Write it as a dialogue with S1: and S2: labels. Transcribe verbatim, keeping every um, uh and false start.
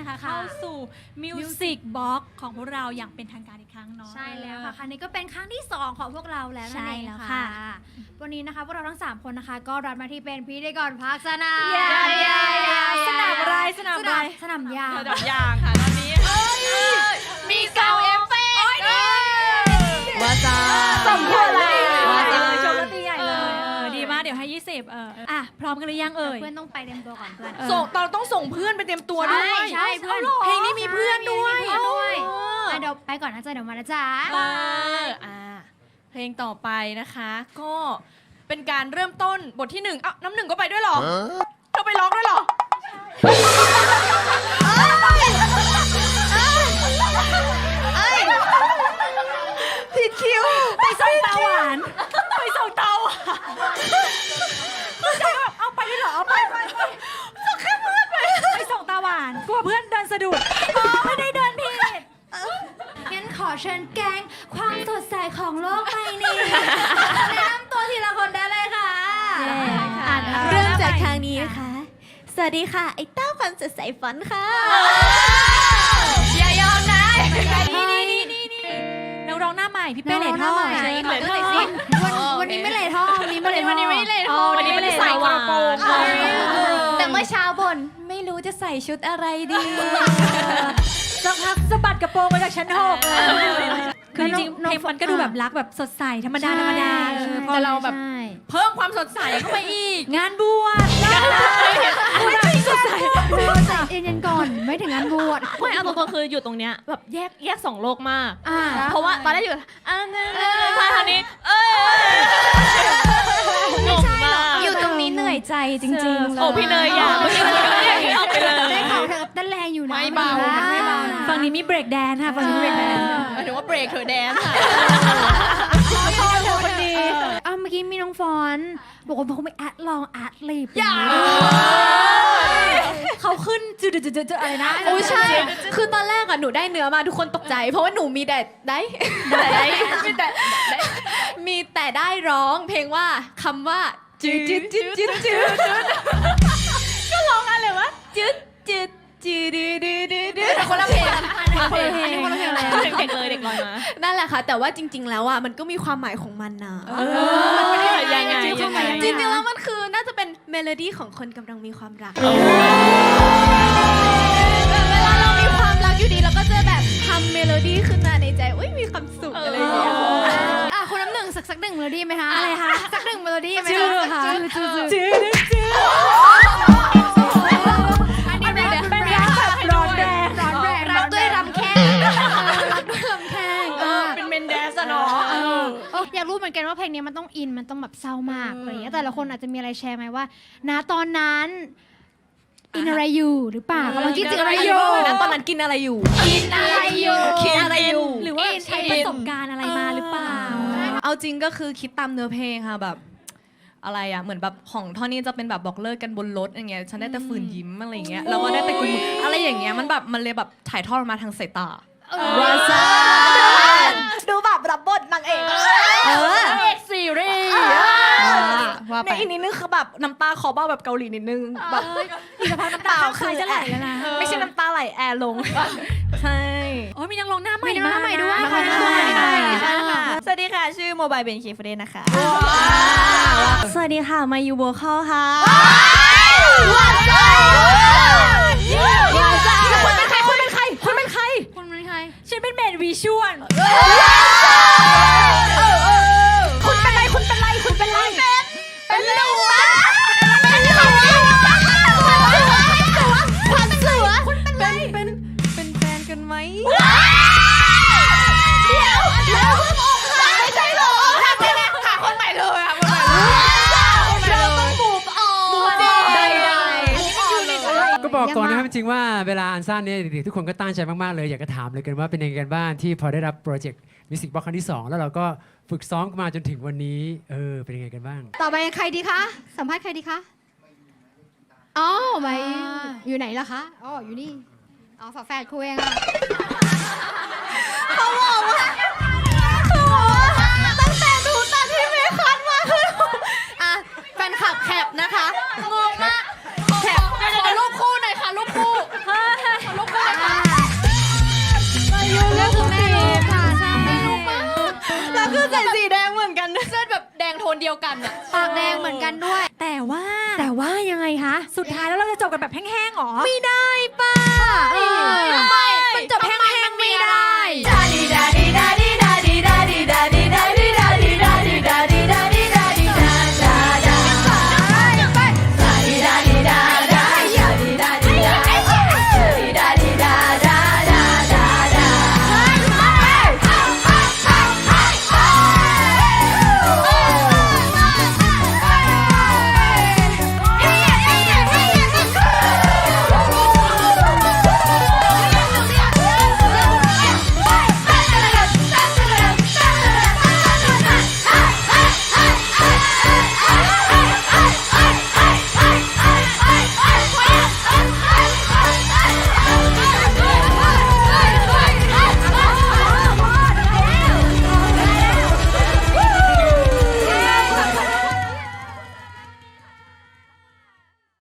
S1: นะคะเข้าสู่ Music Box ของพวกเราอย่างเป็นทางการอีกครั้งเนาะ
S2: ใช่แล้วค่ะครั้งนี้ก็เป็นครั้งที่สองของพวกเราแล้วนั่นเองค่ะวันนี้นะคะพวกเราทั้งสามคนนะคะก็รับมาที่เป็นพิธีกรภาคสนาม
S1: สนามอะไรสนามอะไร
S2: สนามยาง
S3: สนามยางค่ะตอนนี้มีเกาเอฟเฟกต์ว่าจ้า
S1: สมควรเลยว่าจ้าชมตีใหญ่เลยดีมากเดี๋ยวให้ยี่สิบเอออ่ะพร้อมกันหรือยังเอ่ย
S2: เพื่อนต้องไปเตรียมตัวก่อนเพื่อน
S3: ส่งเราต้องส่งเพื่อนไปเตรียมตัวด้วย
S2: ใช่เพื่อน
S3: เพลงนี้มีเพื่อนด้วย
S2: เดี๋ยวไปก่อนนะจ๊ะเดี๋ยวมานะจ๊ะ
S3: อ่าเพลงต่อไปนะคะก็เป็นการเริ่มต้นบทที่หนึ่งอ้าวน้ำหนึ่งก็ไปด้วยเหรอเราไปร้องด้วยเหรอผิดคิว
S1: ไปส่งตาหวานไปส่งตาหวานเข้าใจแบบเอาไปด้วยเหรอเอาไปไปไปส่งแค่เพื่อนไปไปส่งตาหวานกลัวเพื่อนเดินสะดุดอ๋อไม่ได้เดินผิด
S2: งั้นขอเชิญแกงความสดใสของโลกใบนี้แนะนำตัวทีละคนได้เลยค่ะ
S4: เริ่มจากทางนี้นะคะสวัสดีค่ะไอ้เต้าความสดใสฝันค่ะ
S3: อย่ายอมนะ
S1: นี่นี่นี่นี่นักร้องหน้าใหม่พี่เป้เหล่ท่อ
S2: วันนี้ไม่เหล่ท่อวันนี้ไม่เหล่ท่อ
S3: วันนี้ไม่เหล่ท่อวันนี้ไม่ได้ใส่กระโปรง
S4: แต่เมื่อเช้าบ่นไม่รู้จะใส่ชุดอะไรดี
S1: สักพักสะบัดกระโปรงมาจากชั้นหกคือจริงๆเพลงมันก็ดูแบบรักแบบสดใสธรรมดาธรรมดา
S3: แต่เราแบบเพิ่มความสดใสเข้าไปอีก
S1: งานบวชไม่ใช่สดใส
S2: ใจเย็นๆก่อนไม่ถึงงานบวช
S3: ไม่เอาตรงๆคืออยู่ตรงเนี้ยแบบแยกแยกสองโลกมากเพราะว่าตอนแรกอยู่อันนั้นพาทางนี้เอ้ยงงมาก
S4: อยู่ตรงนี้เหนื่อยใจจริงๆ
S3: โอ้พี่เนยอยากเมื่อกี้มันก็อย่างนี้ออกไปเลย
S2: ได้ข่าวเธอเต้นแรงอยู่นะ
S3: ไม่เบาไม่เบา
S1: ฝั่งนี้มีเบรกแดนค่ะฝั่งนี้เบรกแดน
S3: หมายถึงว่าเบรกเธอแดนค่ะ
S2: ชอบเธอคนดีอ้าวเมื่อกี้มีน้องฟอนบอกว่าเขาไม่แอดลองแอดลีบ
S3: อย่า
S1: เขาขึ้นจุดจุดจุดอะไรนะ
S4: โอ้ใช่คือตอนแรกอะหนูได้เนื้อมาทุกคนตกใจเพราะว่าหนูมีแต่ได้ได้มีแต่มีแต่ได้ร้องเพลงว่าคำว่าจืดจืดจืดจืดจืด
S3: ก็ร้องอะไรวะ
S4: จืดจืดจืดดืดดืดดืด
S3: คนละเพลง
S2: คนละเพลงคนละเพลงอะไร
S3: เด็กเลยเด็กลอยมา
S4: นั่นแหละค่ะแต่ว่าจริงๆแล้วอ่ะมันก็มีความหมายของมันนะ
S3: ยังไง
S4: จริงๆแล้วมันคือน่าจะเป็นเมโลดี้ของคนกำลังมีความรักเวลาเรามีความรักอยู่ดีเราก็จะแบบทำเมโลดี้ขึ้นมาในใจอุ้ยมีความสุขอะไรอย่างเงี้ย
S2: อ่ะคุณน้ำหนึ่งสักสักหนึ่งเมโลดี้ไหมคะ
S1: อะไรคะ
S2: สักหนึ่งเมโลดี้ไหม
S1: จืดค่ะจืดจืดจืดเป็นรักแบบร้อนแรงร้อนแรง
S2: รักด้วยรำแข้งรักด้วยรำแข้ง
S3: เป็นเมนเดสเนาะ
S2: อยากรู้เหมือนกันว่าเพลงนี้มันต้องอินมันต้องแบบเศร้ามากอะไรอย่างเงี้ยแต่ละคนอาจจะมีอะไรแชร์ไหมว่าณตอนนั้นอินอะไรอยู่หรือเปล่ากำลังคิดถึงอะไรอยู่
S4: นะตอนนั้นกินอะไรอยู่
S2: กินอะไรอยู่
S4: คิดอะไรอยู่
S1: หรือว่าใช้ประสบการณ์อะไรมาหรือเปล่า
S4: เอาจริงก็คือคิดตามเนื้อเพลงค่ะแบบอะไรอะเหมือนแบบของท่อนนี้จะเป็นแบบบอกเลิกกันบนรถอย่างเงี้ยฉันได้แต่ฝืนยิ้มอะไรเงี้ยแล้วก็ได้แต่กุมมืออะไรอย่างเงี้ยมันแบบมันเลยแบบถ่ายทอดมาทางสายตา
S1: ว้าซ่า
S4: ดูแบบรับบทนางเอก
S1: เออเอกซีรีส์
S4: ในอีกนิดนึงคือแบบน้ำตาคอเบ้าแบบเกาหลีนิดนึงแบบ
S1: อีกสักพักน้ำตาคือจะไหลแล้วนะ
S4: ไม่ใช่น้ำตาไหลแอร์ลงใช่
S1: โอ้ยมีนักร้องหน้าใหม่
S2: มีนักร้องใหม่ด้วย
S4: สวัสดีค่ะชื่อโมบายเบนคีฟเรนนะคะสวัสดีค่ะมายูโวคอลค่ะ
S1: ว้าวว้าวคุณเป็นใครคุณเป็นใครคุณเป็นใคร
S2: คุณเป็นใคร
S1: ฉันเป็นเมนวิชวลคุณเป็นไรคุณเป็นไรคุณเป็นไร
S3: เป็นหนู
S1: เป็นหนูความสวยคุณเป็นไร
S4: เป็นเป็นแฟนกันไหม
S1: เดี๋ยวแล้วเพิ่งอกหักไม่ใช่หรอ
S3: หาคนใหม่เลยค่ะคนใหม่เลย
S1: เราต้องบูบออก
S3: ได้
S5: ก็บอกก่อนนะครับจริงว่าเวลาอันซ่าเนี่ยเด็กๆทุกคนก็ตั้งใจมากๆเลยอยากจะถามเลยกันว่าเป็นยังไงกันบ้างที่พอได้รับโปรเจกต์มิวสิกบ็อกซ์ครั้งที่สองแล้วเราก็ฝึกซ้อมมาจนถึงวันนี้เออเป็นยังไงกันบ้าง
S2: ต่อไปใครดีคะสัมภาษณ์ใครดีคะอ๋อไม่อยู่ไหนล่ะคะอ๋ออยู่นี่อ๋อฝาแฝดครูเองค่ะ
S4: เขาบอกว่าเขาบอกว่าตั้งแต่ดูตอนที่เมย์คันมาคืออ่ะแฟนคลับแคปนะคะงงมากแคปขอรูปคู่หน่อยค่ะรูปคู่ขอรูปคู่
S3: โทนเดียวกันอะ
S2: ปากแดงเหมือนกันด้วย
S1: แต่ว่า
S2: แต่ว่ายังไงคะ
S1: สุดท้ายแล้วเราจะจบกันแบบแห้งๆหรอ
S2: ไม่ได้ปะ